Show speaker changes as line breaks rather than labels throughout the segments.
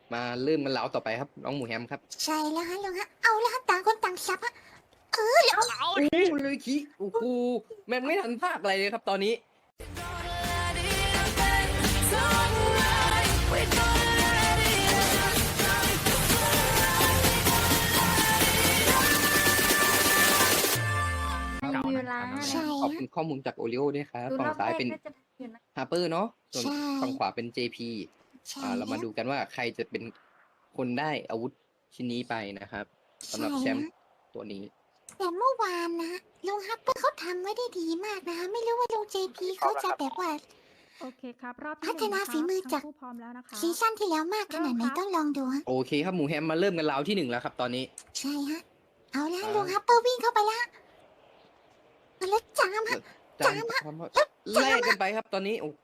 มาเริ่มกันแล้วต่อไปครับน้องหมูแฮมครับ
ใช่แล้วฮะลุงฮะเอาแล้วฮะต่างคนต่างซับฮะแล้ว
โอ้เลยคิโอ้โหแม่งไม่ทันภาคอะไรเลยครับตอนนี้
วิวลา
ใช่
ขอบคุณข้อมูลจากโอริโอด้วยครับ
ดู
ฝั่
รง อบแร
ซ้าย
ก
เป็น
น่าจะทันอยู่นะ
ฮาร์เปอร์เนาะส่วน
ใช่
ฝั่งขวาเป็น JP
ใช่
เรามาดูกันว่าใครจะเป็นคนได้อาวุธชิ้นนี้ไปนะครับสำหรับแชมป์ตัวนี้
แต่เมื่อวานนะลุงฮัปเปอร์เขาทำไว้ได้ดีมากนะคะไม่รู้ว่าลุง JP เขาจะแบบว่า
โอเคครับ รอบ
พั
ที่
ฒ
หนึ่ง
นาฝีมือจาก
ทั้งคู่พร้อมแล้วนะคะ
ซีซั่นที่แล้วมากขนาดไหน
เริ่มครับ
ต้องลองดูฮะ
โอเคครับหมูแฮมมาเริ่มกันราวที่1แล้วครับตอนนี้
ใช่ฮะเอาแล้ว
อ่า
ลุงฮัปเปอร์วิ่งเข้าไปแล้วแล้วจามฮะ
จามแลกกันไปครับตอนนี้โอ้โห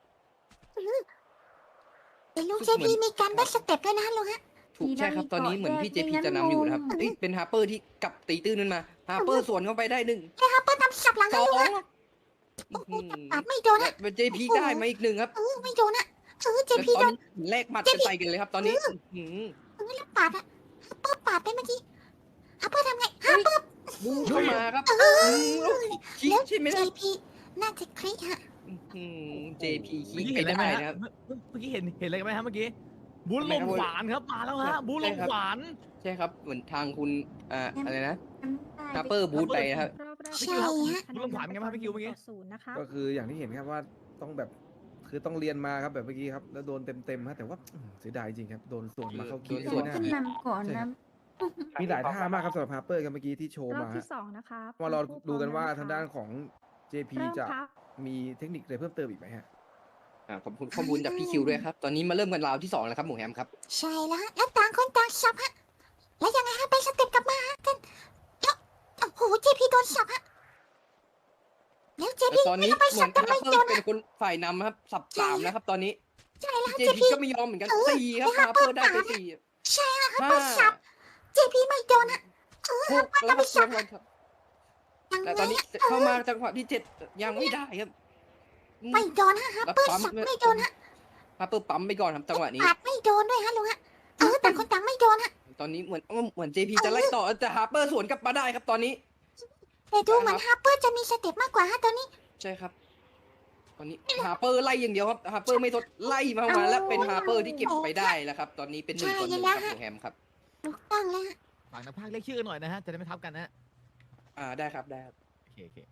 แต่ลุง
เห
JP
มือน
มีการแบ็กสเต็ปด้วยนะลุงฮะ
ถูกใช่ครับตอนนี้เหมือนพี่ JP จะนำอยู่นะครับเอ้ยเป็นฮาร์เปอร์ที่กลับตีตื้นขึ้นมาฮาร์เปอร์สวนเข้าไปได้1
แล้วฮัปเปอร์ทำสับหลัง
ส
ให้
อ
ลุง
ง
ฮะ
อื้อหือ
ปาดไม่โดน
และ
ฮะ
เป็น JP ได้มาอีก1ครับ
ไม่โดนฮะ
แล้ว
JP
ตอน
โดน
นี้แลกหมัดกันไปกันเลยครับตอนนี้อื้อหือ
แล้วปาดฮะฮัปเปอร์ปาดไปเมื่อกี้ฮัปเปอร์ทำไงฮัปเปอร์
บูเข้ามาครับแล้วคิกใช่ไหมครับ
JP น่าจะคลิกฮะ
JP คิ
เมื่อก กี้
ไป
เห็นอะไร
ได้
ไหม
นะค
ฮะ
รับ
เมื่อกี้เห็นอะไรกันไหมฮะเมื่อกี้บุญลมขวานครับมาแล้วฮะบุญลมขวาน
ใช่ครับเหมือนทางคุณอะไรนะ
จำได้
ฮาร์เปอร์บูทไปนะครับ
รอบแรก
ใช่ฮะ
คะแนน
เรื่องขวัญไงบ้างพี่คิวเมื่อกี้
ต่ศูนย์นะคะ
ก็คืออย่างที่เห็นครับว่าต้องแบบคือต้องเรียนมาครับแบบเมื่อกี้ครับแล้วโดนเต็มๆฮะแต่ว่าเสียดายจริงครับโดนส่วนมาเข้าคิด
โดน
เข้า
สวน
หน้า
ขึ้น
ฮะ
นำก่อนนะ
มีหลายท่ามากครับสำหรับฮาร์เปอร์ครับเมื่อกี้ที่โชว์
รอบ
มาฮะ
ที่สองนะคะ
ว่าเรา
ทั้งคู่
ดูกันว่า
พร้อม
ทางด้านของ JP
เริ่ม
จะ
ครับ
มีเทคนิคอะไรเพิ่มเติมอีกไหมฮะ
ขอบคุณข้อมูลจากพี่คิวด้วยครับ ตอนนี้มาเริ่มกันราวที่2แล้วครับหมูแฮมครับ
ใช่แล้วฮะแล้วต่างคนต่างสับฮะแล้วยังไงฮะไปสเต็ปกลับมาฮะกันแล้วโอ้โห JP โดนสับฮะแล้ว JP
แต่ตอนนี้
ไป
เหมื
สั
อบ น
แต่
ฮา
ไม่
ร์เปอ
โด
ร์
น
เป็
ฮะ
นคนฝ่ายนำครับสับ3แล้วครับตอนนี้
ใช่แล้วฮะ
JP
JP
ก็ไม่ยอมเหมือนกัน4ครับฮาร์เปอร์ได้ไป4
ใช่ฮะ
5
ไปสับ JP ไม่โดนฮะ
6แล้วครับรางวัลครับ
ยัง
แต่
ไง
ตอนนี้เข้ามาจังหวะที่7ยังไม่ได้ครับ
ไม่โดนฮะฮัปเปอร์สับไม่โดนฮะ
ฮาร์เปอร์ปั๊มไปก่อนครับจังหวะนี้
ปาดไม่โดนด้วยฮะลุงฮะต่างคนต่างไม่โดนฮะ
ตอนนี้เหมือน JP จะไล่ต่อแต่ฮาร์เปอร์สวนกลับมาได้ครับตอนนี้
แต่ดูเหมือนฮัปเปอร์จะมีสเต็ปมากกว่าฮะตอนนี้
ใช่ครับ ตอนนี้ฮาร์เปอร์ไล่อย่างเดียวครับฮาร์เปอร์ไม่ทดไล่มาแล้วเป็นฮาร์เปอร์ที่เก็บไปได้แล้วครับ ตอนนี้เป็น1-1ครับหมูแฮมครับ
ถูกต้องแล้วฮะ
ฝากนักพากย์เรียกชื่อกันหน่อยนะฮะจะได้ไม่ทับกันนะฮะ
ได้ครับได้ครับ
โอเค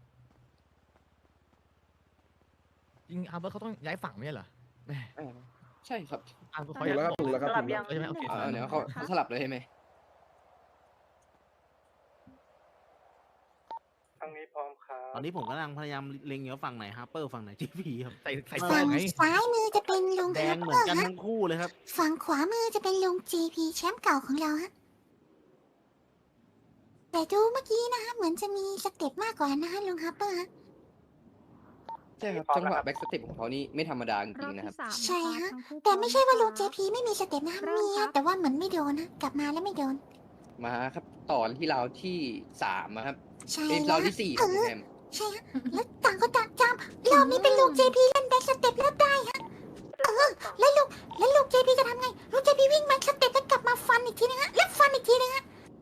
จริงอาร์เบอร์เขาต้องย้ายฝั่งไม่ใช่เหรอแหม
ใช่ครับ
อาร์เบอร์
ถู
เขา
ก
ย้าย
แล้วครับ
ฝั่ง
ถูกแล้วครับถูกแล้ว
ใช่ไหมโอเค
เดี๋ยวเขาสลับเลยใช่ไหม
ทางนี้พร้อมครับ
ตอนนี้ผมกำลังพยายามเล็งอยู่ว่าฝั่งไหนฮาร์เปอร์ฝั่งไหนจีพีครับ
ใส่
เออ
เสื้อ
ฝั่ง
ไง
ซ้ายมือจะเป็นลุง
แด
ฮั
ง
ป
เห
เป
มือ
อน ร์
กัน
ฮะ
ทั้งคู่เลยครับ
ฝั่งขวามือจะเป็นลุง JP แชมป์เก่าของเราฮะแต่ดูเมื่อกี้นะคะเหมือนจะมีสเต็ปมากกว่านะคะลุงฮัปเปอร์ฮะ
ใช่ครับจังหวะแบ็กสเต็ปของเขานี่ไม่ธรรมดาจ
ร
ริ
อง บ
ๆนะครับ
ที่สาม
ใช่ฮะ
ทั้งคู่
แต่ไม่ใช่ว่าลุง
พร้อม
JP ไม่มีสเต็ปนะคะ
เริ่ม
มี
ครั
ฮะ
บ
แต่ว่าเหมือนไม่โดนนะกลับมาแล้วไม่โดน
มาครับต่อที่ราวที่3ครับ
ใช่
เป็น
แล้
ราว วที่4ครับหมูแฮม
ใช่ฮะแล้วต่างคนต่างจำรอบนี้เป็นลุง JP เล่นแบ็กสเต็ปแล้วได้ฮะแล้วลุง JP จะทำไงลุง JP วิ่งแบ็กสเต็ปแล้วกลับมาฟันอีกทีนึงฮะแล้วฟันอีกทีนึงฮะ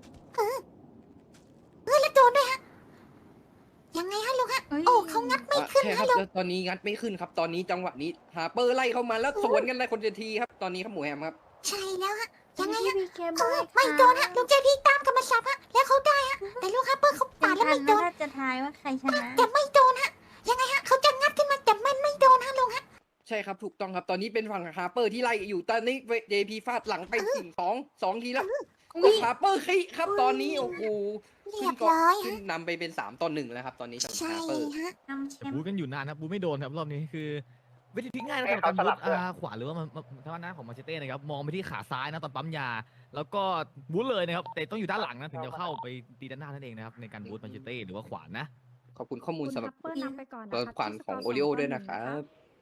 แล้วโดนด้วยฮะยังไงฮะลุงฮะโอ้เขางัดไม่ขึ้น
ใช่ค
ฮะ
รับ
ลุง
แล้วตอนนี้งัดไม่ขึ้นครับ ตอนนี้จังหวะนี้ฮาร์เปอร์ไล่เข้ามาแล้วสวนกันเลยคนจะทีครับ ตอนนี้ครับหมูแฮมครับ
ใช่แล้วฮะยังไง
พี่
ฮะ
พีเคบ
เอ
อ
อย ไม่โดนฮะลุง JP ตามกลับมาสับฮะแล้วเขาได้ฮะแต่ลุงฮัปเปอร์เขาปาดแล้ว
ทั
ไม่
น
โด
นะ
น
ถ้าจะทายว่าใครชนะ
แต่ไม่โดนฮะยังไงฮะเขาจะงัดขึ้นมาแต่มันไม่โดนฮะลุงฮะ
ใช่ครับถูกต้องครับ ตอนนี้เป็นฝั่งฮาร์เปอร์ที่ไล่อยู่ ตอนนี้ JP ฟาดหลังไป2 ทีแล้วฮาร์เปอร์ขี้ครับ ตอนนี้โอ้โห
เรียบร้อย
ขึ้น
ฮะ
นำไปเป็น3-1แล้วครับ ตอนนี้สำหรับ
ใช่
ฮาร์เปอร์
ฮะ
นำแช
แต่
ม
บู
ป์
กันอยู่นานครับบูไม่โดนครับรอบนี้คือวิธีที่ง่ายนะครับการบูทขวาหรือว่าทางด้านของมาเชเต้นะครับมองไปที่ขาซ้ายนะตอนปั๊มยา แล้วก็บูทเลยนะครับแต่ต้องอยู่ด้านหลังนะถึงจะเข้าไปตีด้านหน้านั่นเองนะครับในการบูทมาเชเต้หรือว่าขวานนะ
ขอบคุณข้อมูล
คุณ
สำหรับ
ฮัปเปอร์นำไปก่อนนะ
ตัว
คะ
ขวัญ
ที่
ของ
สก
โอริโอ
2-1
ด้วยนะครับ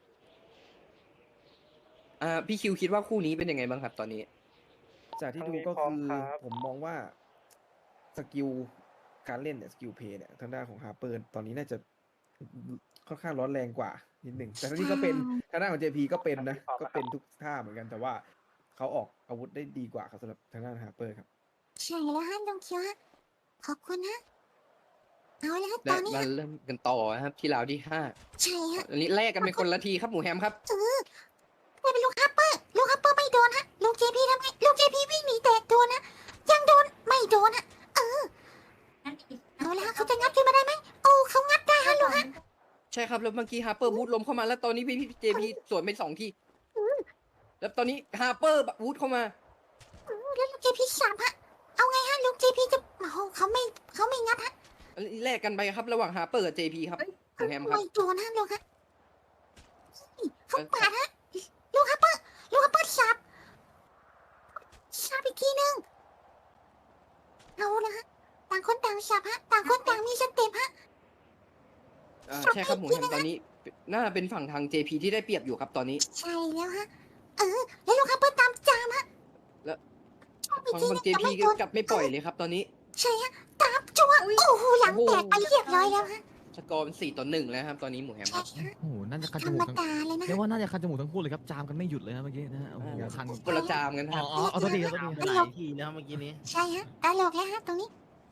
พี่คิวคิดว่าคู่นี้เป็นยังไงบ้างครับ ตอนนี้
จากที่ดูก็คือผมมองว่าสกิลการเล่นเนี่ยสกิลเพย์เนี่ยทางด้านของฮาร์เปอร์ตอนนี้น่าจะค่อนข้างร้อนแรงกว่านิดหนึ่งแต่ทั้งนี้ก็เป็นทางด้านของ JP ก็เป็นนะก็เป็นทุกท่าเหมือนกันแต่ว่าเขาออกอาวุธได้ดีกว่าครับสำหรับทางด้านฮาร์เปอร์ครับ
ใช่แล้วฮะลุงเคียวฮะขอบคุณฮะเอาละฮะต
และ
อนนี้
มา
ฮะ
เริ่มกันต่อนะครับที่ราวที่ห้า
ใช่ฮะ
อันนี้แลกกันเป็นคนละทีครับหมูแฮมครับ
ไม่เป็นลูกฮัปเปอร์ไม่โดนฮะลูกเจพีทำไงลูกเจพีวิ่งหนีแตกโดนนะยังโดนไม่โดนฮะเอาละฮะเขาจะงัดขึ้นมาได้ไหมโอ้เขางัดได้ฮะลูกฮะ
ใช่ครับแล้วเมื่อกี้ฮาร์เปอร์วูดล้มเข้ามาแล้วตอนนี้พี่เจพีสวนไป2 ทีแล้วตอนนี้ฮาร์เปอร์วูดเข้ามา
แล้วลูกเจพีสับฮะเอาไงฮะลูกเจพีจะโอ้โหเขาไม่งัดฮะ
อันนี้แลกกันไปครับระหว่างฮาร์เปอร์กับเจพีครับหมูแฮมครับ
ไม่โดนฮะลูกฮะนี่เขาปาดฮะลูกฮัปเปอร์สับอีกทีนึงเอาละฮะต่างคนต่างสับฮะต่างคนต่างมีสเต็ปฮะ
ใช่ครับหมูแฮมตอนนี้น่าเป็นฝั่งทาง JP ที่ได้เปรียบอยู่ครับตอนนี้
ใช่แล้วฮะแล้วลูกฮัปเปอร์ตามจามฮะ
แล้ว
ชอบอีก
ฝั่ง
ที
ฝั่
นึ
ง
ง
JP
แต่ไม่โดน
กลับไม่ปล่อยเลยครับตอนนี้
ใช่ฮะตามจัวโอ้โหหลังแตกไปเรียบร้อยแล้วฮะ
สกอร์เป็น4-1แล้วครับตอนนี้หมูแฮมค
ใช่
รับ
ฮะ
โอ้โหน่าจะคัน
ธ
จ
รร
มู
ม
กทั้ง
ดาเลยนะ
เรียกว่าน่าจะคันจมูกทั้งคู่เลยครับจามกันไม่หยุดเลยนะเมื่อกี้นะฮะโอ้โหคัน
คนละจามกันค
อ๋
รั
อบ อ๋อเอาตัวทีเอาตัวที
หลายทีแล้วเมื่อกี้นี้
ใช่ฮะตลกแล้วฮะตรงนี้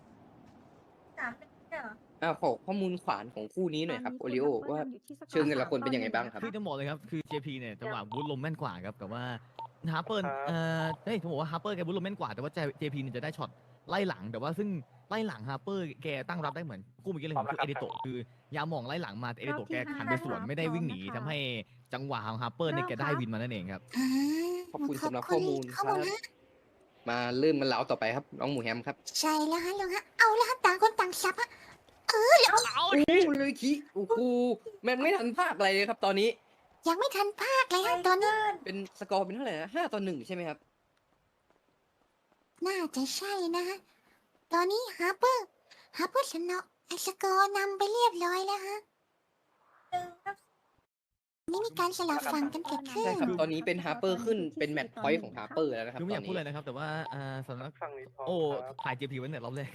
ขอข้อมูลขวานของคู่นี้หน่อยครับโอริโอว่าเชิงแต่ละคนเป็นยังไงบ้างครับ
คือจะบอกเลยครับคือ JP เนี่ยจังหวะบูทลมแม่นกว่าครับแต่ว่าฮาร์เปอร์เฮ้ยผมบอกว่าฮาร์เปอร์แกบูทลมแม่นกว่าแต่ว่า JP เนี่ยจะได้ช็อตไล่หลังแต่ว่าซึ่งไล่หลังฮาร์เปอร์แกตั้งรับได้เหมือนคู่เมื่อกี้เลยคือเอเดโตะคือยามองไล่หลังมาแต่เอเดโตะแกหันไปสวนไม่ได้วิ่งหนีทำให้จังหวะของฮาร์เปอร์เนี่ยแกได้วินมานั่นเองครับ
อ่า
ขอบคุณสำหรับข้อมูลครับ
ฮะ
มาเริ่มกันแล้วต่อไปครับน้องหมูแฮมครับ
ใช่แล้วฮะลุงฮะเอาละฮะต่างคนต่างซับฮะ
โอ้เลยคิโอ้โหแม่งไม่ทันภาคอะไรเลยครับตอนนี้
ยังไม่ทันภาคเลยฮะตอนนี้
เป็นสกอร์เป็นเท่าไหร่นะ5-1ใช่ไหมครับ
น่าจะใช่นะฮะตอนนี้ฮาร์เปอร์ชนะไอสกอร์นำไปเรียบร้อยแล้วฮะนี่มีการสลับฝั่งกันเกิดขึ้น
ใช่ครับตอนนี้เป็นฮาร์เปอร์ขึ้นเป็นแมตช์พอยต์ของฮาร์เปอร์แล้วนะครับ
คือไม่
ต
อ
อย
าน ก
นี้
พูดเลยนะครับ แต่ว่าสำนักโอ้ถ่าย JP ไว้เนี่ยรอบแรก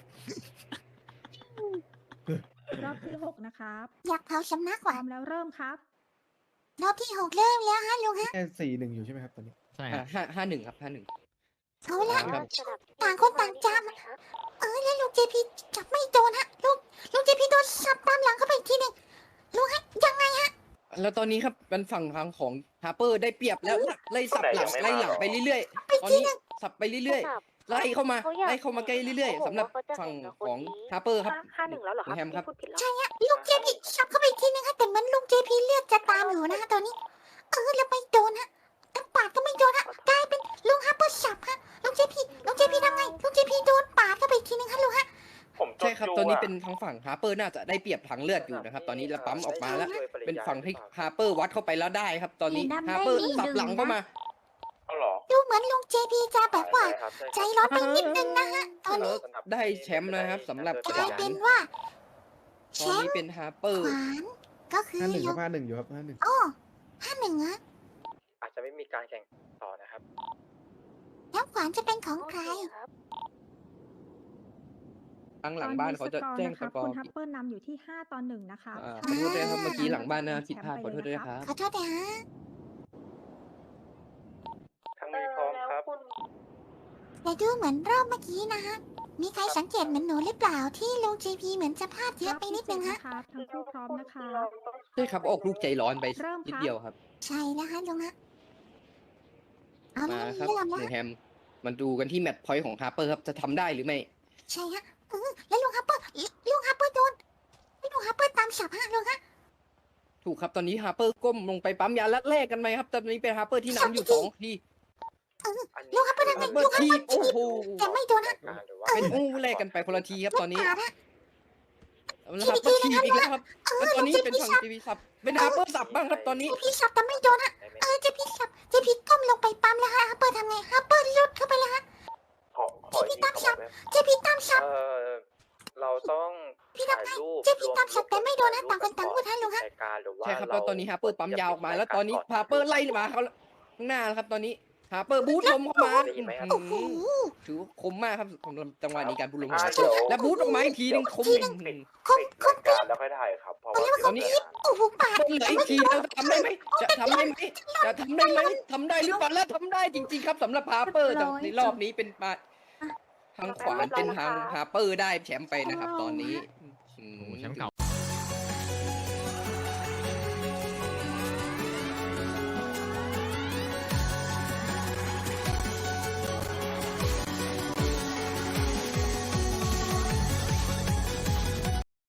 รอบที่ 6 นะครับ
อยากเผาสำนัก
พร้
ว่ะ
อมแล้วเริ่มครับ
รอบที่6เริ่มแล้วฮะลุงฮะ
แค่4-1อยู่ใช่ไหมครับตอนนี้
ใช่ครับ
5-1ครับ5-1
เอาละ
ครับ
ต่างคนต่างจามแล้วลูกเจพีจับไม่โดนฮะลูกเจพีโดนสับตามหลังเข้าไปอีกทีหนึ่งลุงฮะยังไงฮะ
แล้วตอนนี้ครับเป็นฝั่งทางของฮาร์เปอร์ได้เปรียบแล้วไล่สับหลังไล่หลังไปเรื่อยๆ ตอนนี้สับไปเรื่อยๆ ไล่เข้ามาใกล้เรื่อยๆสำหรับฝั่งของฮาร์เปอร์ครับ
5-1แล้วเหรอครับ
แฮมครับ
ที่พูดผิดแล้ว
ใช่ฮะลูกเจพีสับเข้าไปอีกทีหนึงฮะแต่เหมือนลุงเจพีเลือดจะตามอยู่นะฮะตอนนี้แล้วไม่โดนฮะทั้งปาดก็ไม่โดนฮะกลายเป็นลุงฮาร์เปอร์สับฮะลุงเจพีทำไงลุงเจพีโดนปาดเข้าไปอีกทีหนึงฮะลุงฮะ
ใช่ครับตอนนี้เป็นทางฝั่งฮาร์เปอร์น่าจะได้เปรียบทางเลือดอยู่นะครับตอนนี้แล้วปั๊มออกมาแล้วเป็นฝั่งที่ฮาร์เปอร์วัดเข้าไปแล้วได้ครับ ตอนนี้ฮาร์เปอร์สับหลังเข้ามา
ดูเหมือนลุงเจพีจะแบบว่าใจร้อนไปนิดนึงนะฮะตอนนี้
ได้แชมป์นะครับสำหรับ
ก
ข
ลายว
า
เป็น นว่าแช
ตอน
ม
นี้
ป์
เป็นฮาร์เปอร์
ขวานก็คือ
5-1
ย
ครั
ก
บ5-1อยู่ครับ5-1
อ๋อ5-1ฮะ
อาจจะไม่มีการแข่งต่อนะครับ
แล้วขวานจะเป็นของใคร
ทางหลังบ้านเขาจะแจ้งสกอ
คุ
ร์
ณฮัปเปอร์นำอยู่ที่ 5-1 นะคะ
ขอโทษด้วยครับเมื่อกี้หลังบ้านนะผิดพลาดขอโทษด้วยครับ
ขอโทษนะฮะ
ทั้งนี้พร้อมครับ
แต่ดูเหมือนรอบเมื่อกี้นะฮะ มีใครสังเกตเหมือนหนูหรือเปล่าที่ลุงเจพีเหมือนจะพลาดเยอะไปนิดนึงฮะ
ครับทั้งคู่พร้อมนะคะ
ใช่ครับออกลูกใจร้อนไป
เริ่มครับ
นิดเดียวครับ
ใช่แล้วฮะลุงฮะเอาละ
มาครับ
เริ่ม
ห
แล้ว
นึ่งแฮมมันดูกันที่แมตช์พอยต์ของฮาร์เปอร์ครับจะทำได้หรือไม่
ใช่ฮะแล้วลุงฮัปเปอร์โดนลุงฮัปเปอร์ตามฉับฮะลุงฮะ
ถูกครับตอนนี้ฮาร์เปอร์ก้มลงไปปั๊มยาและแลกกันไหมครับตอนนี้เป็นฮาร์เปอร์ที่นำอยู่2 ที
ลุงฮัปเปอร์ทำไง
ฮาร์เปอ
ลุ
ร์
งฮัป
ที
เปอร์
โอ้โห
แต่ไม่โดนฮะ
หรือว่า
เป็นแลกกันไปคนละทีครับตอนนี้
ปาดฮะ
แล้วฮาร์เปอร์ทีอีกแล้วครับแล้วตอนนี้เป็นฝั่งจีบีสับเป็นฮาร์เปอร์สับบ้างครับตอนนี้
เจพีสับแต่ไม่โดนฮะเจพีสับเจพีก้มลงไปปั๊มแล้วฮะฮัปเปอร์ทำไงฮัปเปอร์ลุดเข้าไปแล้วฮะ
ขออีกทีครับ
เจพีตามฉับ
เราต้อง
พี่
ถ่าย
ทำไง
รูป
เจพีตามฉับแต่ไม่โดนนะต่างคนต่างพูดฮะลุงฮะ
รายการหรือว่า
ใช่ครับแล้วตอนนี้ฮาร์เปอร์ปั๊มยาวออกมา แล้วตอนนี้ฮาร์เปอร์ไล่มาเขาข้างหน้าแล้วครับตอนนี้ฮาร์เปอร์บูทลมเข้ามา
ได้ยินไหมครับ
โอ้โห
ถือว่าคมมากครับสำหรับจังหวะนี้การบูทลม
อ่าเดี๋ยว
แล้วบูทออกมาอีกทีนึงคม
ทีนึง คม
ปิด
ค
ราม ยการแล้วค่อยถ่ายครับ เพราะว่า
ตอนนี้
โอ้โหปาด
เหลืออีกทีแล้วทำได้ไหมจะทำได้ไหมจะทำได้ไหมทำได้หรือเปล่าแล้วทำได้จริง ๆ ครับสำหรับฮาร์เปอร์แต่ในรอบนี้เป็นมาทางขวาเป็นทางฮาร์เปอร์ได้แชมป์ไปนะครับ ตอนนี้
โอ้โหแชมป์เก่า